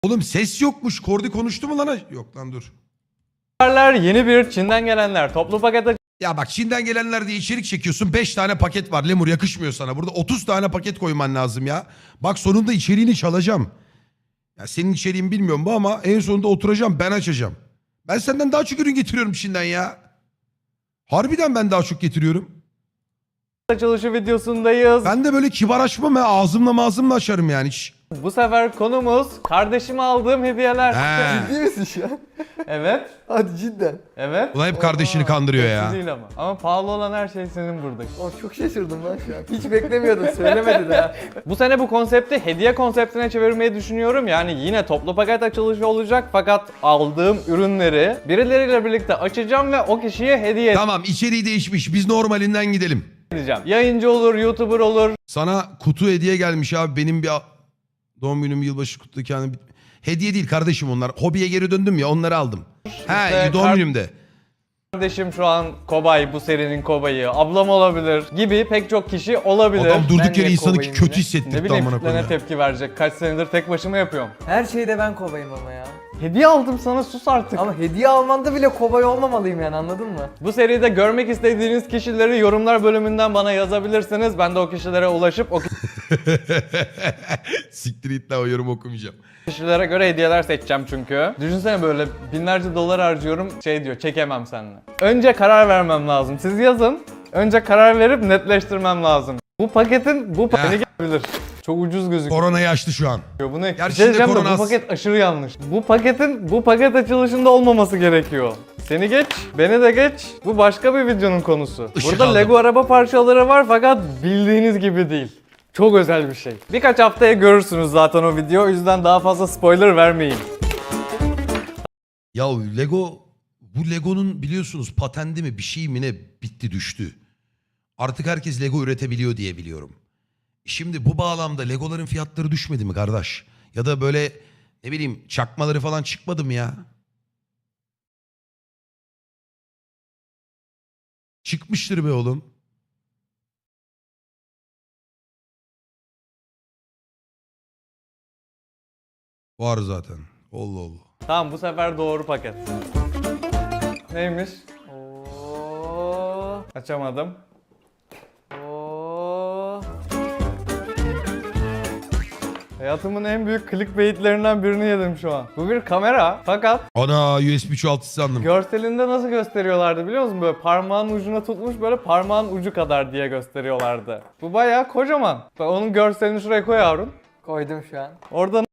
Oğlum ses yokmuş. Kordi konuştu mu lan? Yok lan dur. Yeni bir Çin'den gelenler toplu paket Ya bak Çin'den gelenler diye içerik çekiyorsun. 5 tane paket var. Lemur yakışmıyor sana. Burada 30 tane paket koyman lazım ya. Bak sonunda içeriğini çalacağım. Ya senin içeriğin bilmiyorum bu ama en sonunda oturacağım ben açacağım. Ben senden daha çok ürün getiriyorum Çin'den ya. Harbiden ben daha çok getiriyorum. açılışı videosundayız. Ben de böyle kibar açmam ya. Ağzımla açarım yani hiç. Bu sefer konumuz kardeşime aldığım hediyeler. He. Ciddi misin şu an? Evet. Hadi cidden. Evet. Ulan hep kardeşini kandırıyor Hepsi ya. değil ama. Ama pahalı olan her şey senin burada. Oğlum çok şaşırdım lan şu an. Hiç beklemiyordum, söylemedi de. Bu sene bu konsepti hediye konseptine çevirmeyi düşünüyorum. Yani yine toplu paket açılışı olacak fakat aldığım ürünleri birileriyle birlikte açacağım ve o kişiye hediye Tamam içeriği değişmiş. Biz normalinden gidelim. edeceğim. Yayıncı olur, YouTuber olur. Sana kutu hediye gelmiş abi. Benim bir doğum günüm, yılbaşı kutlarken hediye değil kardeşim onlar. Hobiye geri döndüm ya onları aldım. He doğum günümde. Kardeşim şu an kobay, bu serinin kobayı, ablam olabilir gibi pek çok kişi olabilir. Adam durduk Ben yere niye insanı kobayım kötü yine? Ne hissettirdi bileyim amına kitlene koyayım. tepki verecek. Kaç senedir tek başıma yapıyorum. Her şeyde ben kobayım ama ya. Hediye aldım sana, sus artık. Ama hediye almanda bile kobay olmamalıyım yani, anladın mı? Bu seride görmek istediğiniz kişileri yorumlar bölümünden bana yazabilirsiniz. Ben de o kişilere ulaşıp o Siktir it lan o yorum okumayacağım. kişilere göre hediyeler seçeceğim çünkü. Düşünsene böyle binlerce dolar harcıyorum, şey diyor, çekemem seninle. Önce karar vermem lazım. Siz yazın. Önce karar verip netleştirmem lazım. Bu paketin bu paketi gelebilir. Çok ucuz gözüküyor. Koronayı açtı şu an. Bu ne? Gerçi Bir şey de diyeceğim de korona bu az. paket aşırı yanlış. Bu paket açılışında olmaması gerekiyor. Seni geç, beni de geç. Bu başka bir videonun konusu. Işık Burada aldım. Lego araba parçaları var fakat bildiğiniz gibi değil. Çok özel bir şey. Birkaç haftaya görürsünüz zaten o video. O yüzden daha fazla spoiler vermeyin. Ya Lego, bu Lego'nun biliyorsunuz patendi mi bir şey mi ne bitti düştü. Artık herkes Lego üretebiliyor diye biliyorum. Şimdi bu bağlamda Legoların fiyatları düşmedi mi kardeş? Ya da böyle ne bileyim çakmaları falan çıkmadı mı ya? Çıkmıştır be oğlum. Var zaten. Allah Allah. Tamam, bu sefer doğru paket. Neymiş? Oo, açamadım. Oo. Hayatımın en büyük clickbaitlerinden birini yedim şu an. Bu bir kamera fakat Ana USB çoğaltıcı sandım. görselinde nasıl gösteriyorlardı biliyor musun? Böyle parmağın ucuna tutmuş, böyle parmağın ucu kadar diye gösteriyorlardı. Bu bayağı kocaman. Bak onun görselini şuraya koy Harun. Koydum şu an. Orada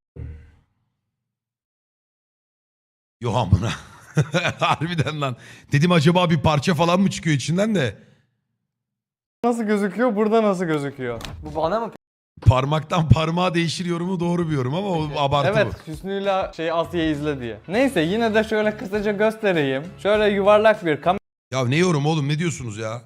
Yok amına. Harbiden lan. Dedim acaba bir parça falan mı çıkıyor içinden de. nasıl gözüküyor, burada nasıl gözüküyor? Bu bana mı? Parmaktan parmağa değişir yorumu doğru bir yorum ama o abartı Evet, bu. Hüsnü'yle Asya'yı izle diye. Neyse yine de şöyle kısaca göstereyim. Şöyle yuvarlak bir kamera. Ya ne yorum oğlum ne diyorsunuz ya?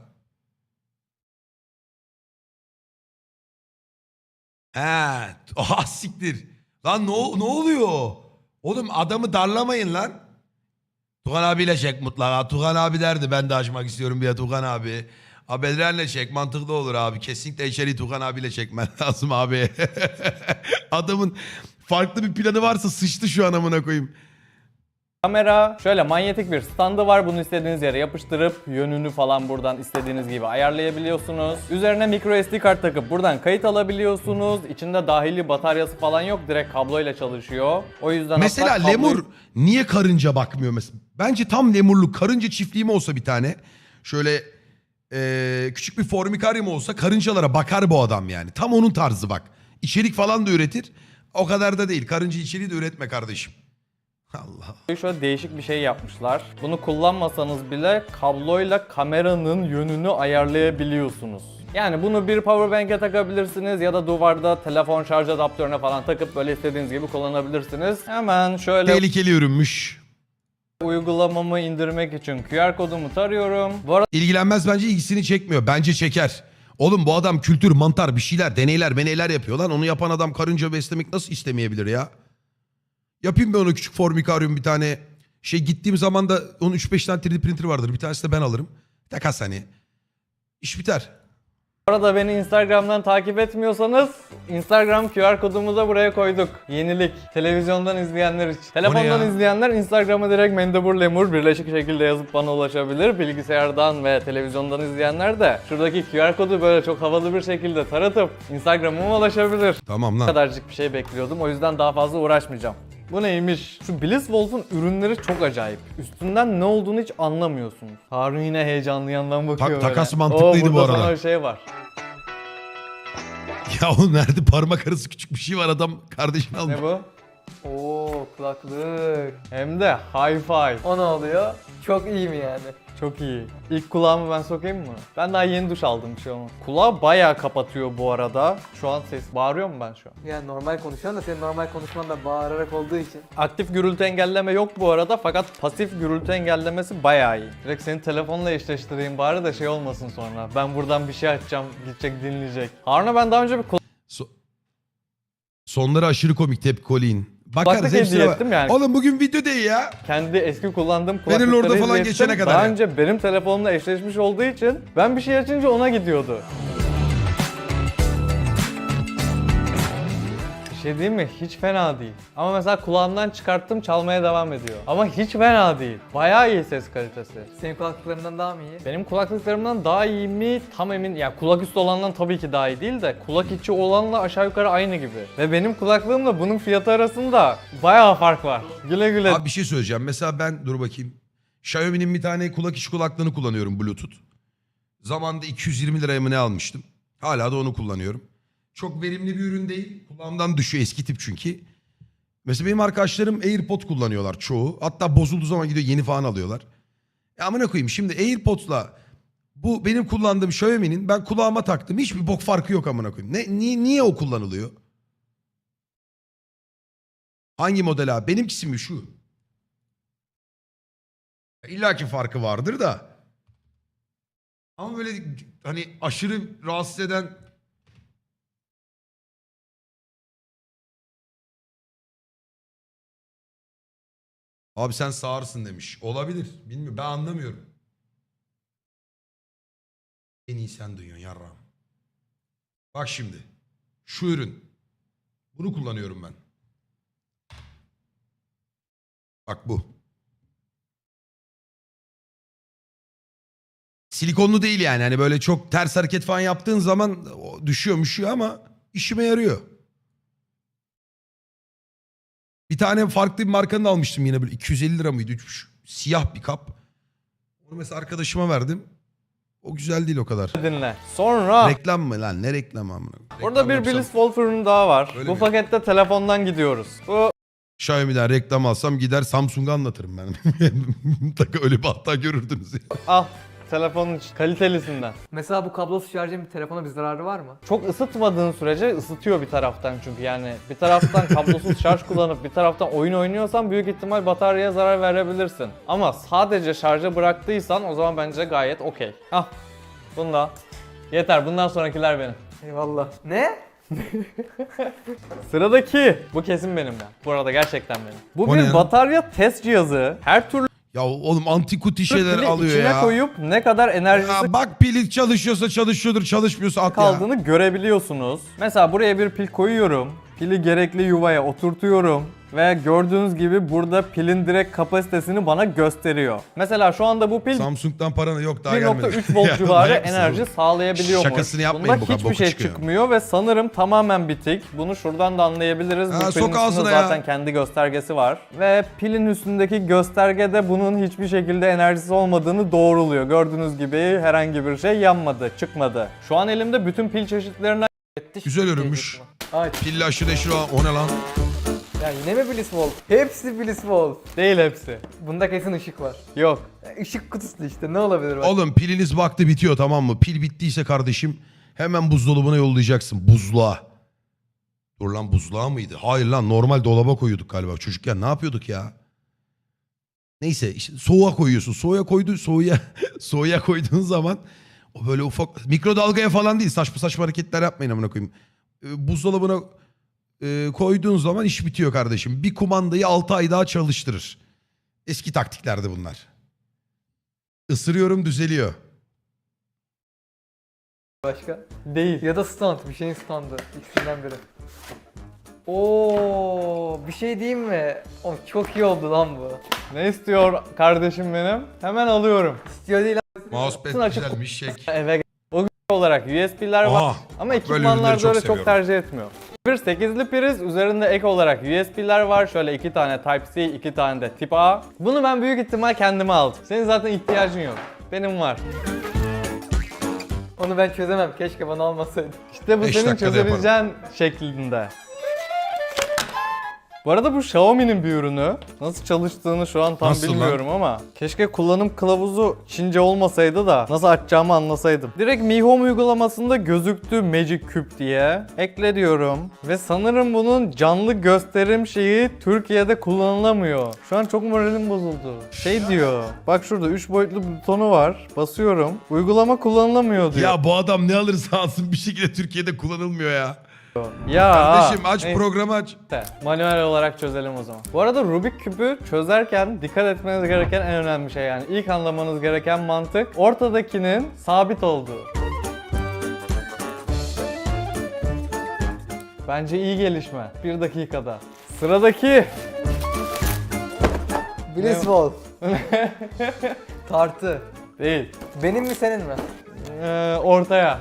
He, aha siktir. Lan ne oluyor? Oğlum adamı darlamayın lan. Tugan abiyle çek mutlaka. Tugan abi derdi ben de açmak istiyorum bir ya Tugan abi. Bedren'le çek mantıklı olur abi. Kesinlikle içeriği Tugan abiyle çekmen lazım abi. Adamın farklı bir planı varsa sıçtı şu an amına koyayım. Kamera şöyle manyetik bir standı var. Bunu istediğiniz yere yapıştırıp yönünü falan buradan istediğiniz gibi ayarlayabiliyorsunuz. Üzerine micro SD kart takıp buradan kayıt alabiliyorsunuz. İçinde dahili bataryası falan yok. Direkt kabloyla çalışıyor. O yüzden Mesela hatta kabloyu- lemur niye karınca bakmıyor mesela? Bence tam lemurluk karınca çiftliği mi olsa bir tane. Şöyle küçük bir formikaryum olsa karıncalara bakar bu adam yani. Tam onun tarzı bak. İçerik falan da üretir. O kadar da değil. Karınca içeriği de üretme kardeşim. Allah. Şöyle değişik bir şey yapmışlar. Bunu kullanmasanız bile kabloyla kameranın yönünü ayarlayabiliyorsunuz. Yani bunu bir powerbank'e takabilirsiniz ya da duvarda telefon şarj adaptörüne falan takıp böyle istediğiniz gibi kullanabilirsiniz. Hemen şöyle Tehlikeli ürünmüş. uygulamamı indirmek için QR kodumu tarıyorum. Bu arada İlgilenmez bence ilgisini çekmiyor. Bence çeker. Oğlum bu adam kültür, mantar bir şeyler, deneyler yapıyor lan. Onu yapan adam karınca beslemek nasıl istemeyebilir ya? Yapayım ben ona küçük formikaryum bir tane. Gittiğim zaman da onun 3-5 tane 3D printer vardır. Bir tanesi de ben alırım. Takas hani. İş biter. Bu arada beni Instagram'dan takip etmiyorsanız Instagram QR kodumuzu da buraya koyduk. Yenilik. Televizyondan izleyenler için. Telefondan ya? izleyenler Instagram'a direkt Mendebur Lemur birleşik şekilde yazıp bana ulaşabilir. Bilgisayardan ve televizyondan izleyenler de şuradaki QR kodu böyle çok havalı bir şekilde taratıp Instagram'ıma ulaşabilir. Tamam Bu lan. kadarcık bir şey bekliyordum. O yüzden daha fazla uğraşmayacağım. Bu neymiş? Şu Blisswolf'un ürünleri çok acayip. Üstünden ne olduğunu hiç anlamıyorsunuz. Harun yine heyecanlı yandan bakıyor böyle. takas mantıklıydı bu burada arada. sana bir şey var. Ya oğlum nerede parmak arası küçük bir şey var, adam kardeşini almış. Ne bu? Oo kulaklık. Hem de hi-fi. O ne oluyor? Çok iyi mi yani? Çok iyi. İlk kulağımı ben sokayım mı? Ben daha yeni duş aldım, bir şey olmaz. Kulağı bayağı kapatıyor bu arada. Şu an ses bağırıyor mu ben şu an? Yani normal konuşuyorsun da senin normal konuşman da bağırarak olduğu için. Aktif gürültü engelleme yok bu arada fakat pasif gürültü engellemesi bayağı iyi. Direkt seni telefonla eşleştireyim bari de şey olmasın sonra. Ben buradan bir şey açacağım, gidecek dinleyecek. Harun'a ben daha önce bir Sonları aşırı komik, tepki Colin. Bakarız Kulaklık hepsine hediye bak. ettim yani. Oğlum bugün video değil ya. kendi eski kullandığım Benim kulaklıkları orada falan izlettim. geçene kadar Daha ya. önce benim telefonumla eşleşmiş olduğu için ben bir şey açınca ona gidiyordu. Bir şey diyeyim mi? Hiç fena değil. Ama mesela kulağımdan çıkarttım, çalmaya devam ediyor. Ama hiç fena değil. Bayağı iyi ses kalitesi. Senin kulaklıklarından daha mı iyi? Benim kulaklıklarımdan daha iyi mi tam emin. Yani kulak üstü olandan tabii ki daha iyi değil de kulak içi olanla aşağı yukarı aynı gibi. Ve benim kulaklığımla bunun fiyatı arasında bayağı fark var. Güle güle. Abi bir şey söyleyeceğim. Mesela ben dur bakayım. Xiaomi'nin bir tane kulak içi kulaklığını kullanıyorum, Bluetooth. Zamanında 220 liraya mı ne almıştım. Hala da onu kullanıyorum. Çok verimli bir ürün değil. Kulağımdan düşüyor, eski tip çünkü. Mesela benim arkadaşlarım AirPod kullanıyorlar çoğu. Hatta bozulduğu zaman gidiyor yeni falan alıyorlar. Ya amına koyayım, şimdi AirPod'la bu benim kullandığım Xiaomi'nin ben kulağıma taktım. Hiçbir bok farkı yok amına koyayım. Niye o kullanılıyor? Hangi model abi? Benimkisi mi şu? İlla ki farkı vardır da. Ama böyle hani aşırı rahatsız eden... Abi sen sağırsın demiş. Olabilir. Bilmiyorum. Ben anlamıyorum. En iyi sen duyuyorsun yarrağım. Bak şimdi. Şu ürün. Bunu kullanıyorum ben. Bak bu. Silikonlu değil yani. Hani böyle çok ters hareket falan yaptığın zaman düşüyor ama işime yarıyor. Bir tane farklı bir markanın almıştım yine, böyle 250 lira mıydı? Siyah bir kap. Onu mesela arkadaşıma verdim. O güzel değil o kadar. Dinle. Sonra Reklam mı lan? Ne reklamı amına? burada Reklam bir yapsam- Blisswolf ürünü daha var. Öyle Bu mi? pakette telefondan gidiyoruz. Bu Xiaomi'den reklam alsam gider Samsung'a anlatırım ben. Mutlaka öyle bir hata görürdünüz ya. al telefonun kalitelisinden. Mesela bu kablosuz şarjın bir telefona bir zararı var mı? Çok ısıtmadığın sürece ısıtıyor bir taraftan çünkü yani bir taraftan kablosuz şarj kullanıp bir taraftan oyun oynuyorsan büyük ihtimal bataryaya zarar verebilirsin. Ama sadece şarja bıraktıysan o zaman bence gayet okey. Al bunu da. Yeter, bundan sonrakiler benim. Eyvallah. Ne? Sıradaki. Bu kesin benim ya. Bu arada gerçekten benim. Bu O ne bir ya? batarya test cihazı. Her türlü Ya oğlum antikuti şeyler pili alıyor içine ya. koyup ne kadar enerjisi Ya bak pili çalışıyorsa çalışıyordur, çalışmıyorsa at ya. kaldığını görebiliyorsunuz. Mesela buraya bir pil koyuyorum. Pili gerekli yuvaya oturtuyorum. Ve gördüğünüz gibi burada pilin direkt kapasitesini bana gösteriyor. Mesela şu anda bu pil Samsung'dan paranı yok daha gelmedi. 1.3 volt Ya civarı manyak mısın enerji oğlum? sağlayabiliyormuş. Şakasını yapmayın, Bunda bu kadar hiçbir boku şey çıkıyor. çıkmıyor ve sanırım tamamen bitik. Bunu şuradan da anlayabiliriz. Ha, Bu pilin sok ağzına üstünde ya. zaten kendi göstergesi var. Ve pilin üstündeki göstergede bunun hiçbir şekilde enerjisi olmadığını doğruluyor. Gördüğünüz gibi herhangi bir şey yanmadı, çıkmadı. Şu an elimde bütün pil çeşitlerinden Güzel ürünmüş. Aç. Pilli aşırı neşir o ne lan? Ya yine mi Blisswolf? Hepsi Blisswolf. değil hepsi. Bunda kesin ışık var. Yok. Işık kutusu işte ne olabilir bak. Oğlum piliniz vakti bitiyor, tamam mı? Pil bittiyse kardeşim hemen buzdolabına yollayacaksın. Buzluğa. Dur lan, buzluğa mıydı? Hayır lan, normal dolaba koyuyorduk galiba. Çocukken ne yapıyorduk ya? Neyse işte soğuğa koyuyorsun. Soğuğa koyduğun zaman o böyle ufak mikrodalgaya falan değil. Saçma saçma hareketler yapmayın amına koyayım. Buzdolabına koyduğun zaman iş bitiyor kardeşim. Bir kumandayı 6 ay daha çalıştırır. Eski taktiklerdi bunlar. Isırıyorum, düzeliyor. başka? Değil. Ya da stand. Bir şeyin standı. İkisinden biri. Oo, bir şey diyeyim mi? Oh, çok iyi oldu lan bu. Ne istiyor kardeşim benim? Hemen alıyorum. İstiyor değil Mousepad Açıp- güzelmiş. Çek. Eve o olarak USB'ler var Aha. ama ürünleri ekipmanlarda çok öyle çok seviyorum. tercih etmiyor. Bir 8'li priz, üzerinde ek olarak USB'ler var. Şöyle 2 tane Type-C, 2 tane de Tip A. Bunu ben büyük ihtimal kendime aldım. Senin zaten ihtiyacın yok. Benim var. Onu ben çözemem. Keşke bana almasaydın. İşte bu 5 senin dakikada çözebileceğin şeklinde. Bu arada bu Xiaomi'nin bir ürünü. Nasıl çalıştığını şu an tam Nasıl lan? bilmiyorum ama keşke kullanım kılavuzu Çince olmasaydı da nasıl açacağımı anlasaydım. Direkt Mi Home uygulamasında gözüktü Magic Cube diye. Ekle diyorum. Ve sanırım bunun canlı gösterim şeyi Türkiye'de kullanılamıyor. Şu an çok moralim bozuldu. Şey diyor. Bak şurada 3 boyutlu butonu var. Basıyorum. Uygulama kullanılamıyor diyor. Ya bu adam ne alırsa alsın bir şekilde Türkiye'de kullanılmıyor ya. Ya. Kardeşim aç neyse. programı aç. Manuel olarak çözelim o zaman. Bu arada Rubik küpü çözerken dikkat etmeniz gereken en önemli şey, yani ilk anlamanız gereken mantık ortadakinin sabit olduğu. Bence iyi gelişme. 1 dakikada. Sıradaki. Blitzball. Tartı. Değil. Benim mi senin mi? Ortaya.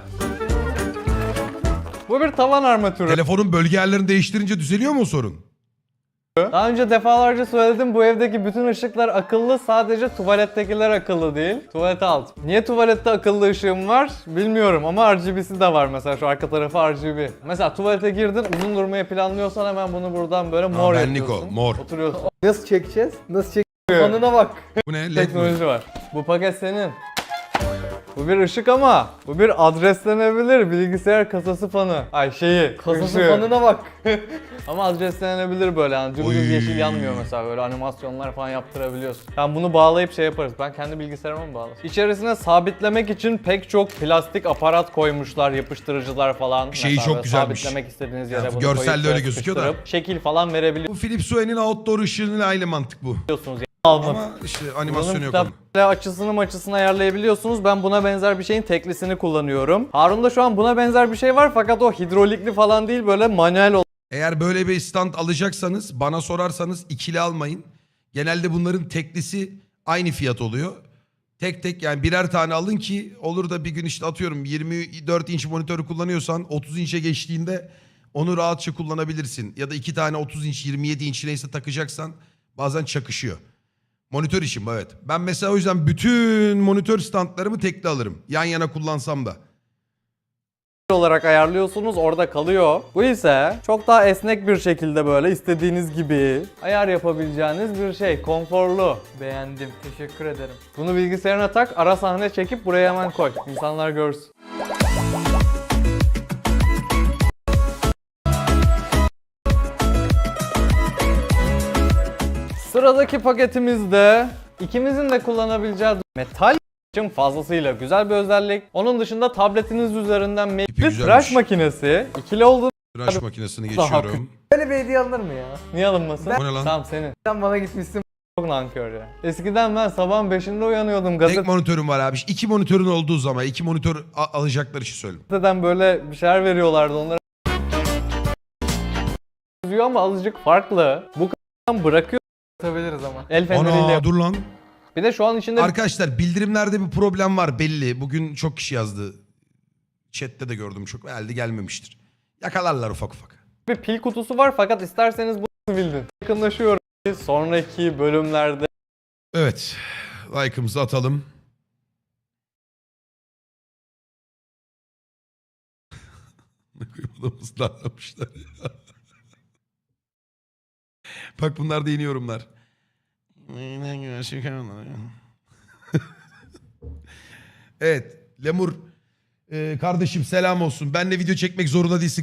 Bu bir tavan armatürü. Telefonun bölge yerlerini değiştirince düzeliyor mu o sorun? Daha önce defalarca söyledim, bu evdeki bütün ışıklar akıllı, sadece tuvalettekiler akıllı değil. Tuvalete alt. Niye tuvalette akıllı ışığım var bilmiyorum ama RGB'si de var, mesela şu arka tarafı RGB. Mesela tuvalete girdin, uzun durmayı planlıyorsan hemen bunu buradan böyle mor benlik yapıyorsun. o, mor. Oturuyorsun. Nasıl çekeceğiz? Nasıl çekeceğiz? Fanına bak. Bu ne? LED mi? Teknoloji var. Bu paket senin. Bu bir ışık ama bu bir adreslenebilir bilgisayar kasası fanı. Ay şeyi. Kasası ışığı. fanına bak. Ama adreslenebilir böyle, yani dümdüz Oy. yeşil yanmıyor mesela, böyle animasyonlar falan yaptırabiliyorsun. Yani bunu bağlayıp şey yaparız. Ben kendi bilgisayarıma mı bağlasam? İçerisine sabitlemek için pek çok plastik aparat koymuşlar, yapıştırıcılar falan. Şeyi Mesela çok böyle güzelmiş. Sabitlemek istediğiniz Ya yere bu bunu görselde koyup öyle böyle gözüküyor da. sıkıştırıp şekil falan Bu Philips Hue'nin outdoor ışığıyla aynı mantık bu. verebiliyorsunuz. Yani. Alma. Ama işte animasyonu Bunun yok onun. kitapla açısını ayarlayabiliyorsunuz. Ben buna benzer bir şeyin teklisini kullanıyorum. Harun'da şu an buna benzer bir şey var fakat o hidrolikli falan değil, böyle manuel Eğer böyle bir stand alacaksanız bana sorarsanız ikili almayın. Genelde bunların teklisi aynı fiyat oluyor. Tek tek yani birer tane alın ki olur da bir gün işte atıyorum 24 inç monitörü kullanıyorsan 30 inçe geçtiğinde onu rahatça kullanabilirsin. Ya da 2 tane 30 inç 27 inç neyse takacaksan bazen çakışıyor. Monitör işim bu, evet. Ben mesela o yüzden bütün monitör standlarımı tekli alırım. Yan yana kullansam da. olarak ayarlıyorsunuz, orada kalıyor. Bu ise çok daha esnek bir şekilde böyle istediğiniz gibi ayar yapabileceğiniz bir şey. Konforlu. Beğendim. Teşekkür ederim. Bunu bilgisayarına tak, ara sahne çekip buraya hemen koy. İnsanlar görsün. Sıradaki paketimizde ikimizin de kullanabileceği metal için fazlasıyla güzel bir özellik. Onun dışında tabletiniz üzerinden bir güzelmiş. tıraş makinesi. İkili olduğunu Tıraş makinesini Daha geçiyorum. Böyle bir hediye alınır mı ya? niye alınmasın? O ne lan? Tamam senin. Sen bana gitmişsin. Çok nankör ya. Eskiden ben sabahın 5'inde uyanıyordum, Tek monitörüm var abi. 2 monitörün olduğu zaman 2 monitör alacaklar için söyleyeyim. gazeteden böyle bir şeyler veriyorlardı onlara. Yazıyor ama azıcık farklı. Bu kadar bırakıyor Tutabiliriz ama. el feneriyle. Ana dur lan. Bir de şu an içinde Arkadaşlar bildirimlerde bir problem var belli. Bugün çok kişi yazdı. Chat'te de gördüm çok. Herhalde gelmemiştir. Yakalarlar ufak ufak. bir pil kutusu var fakat isterseniz bunu bildin. Yakınlaşıyorum. Sonraki bölümlerde Evet. Like'ımızı atalım. Adamımızı darlamışlar ya. Bak bunlar da yeni yorumlar. Evet. Lemur kardeşim selam olsun. Benle video çekmek zorunda değilsin.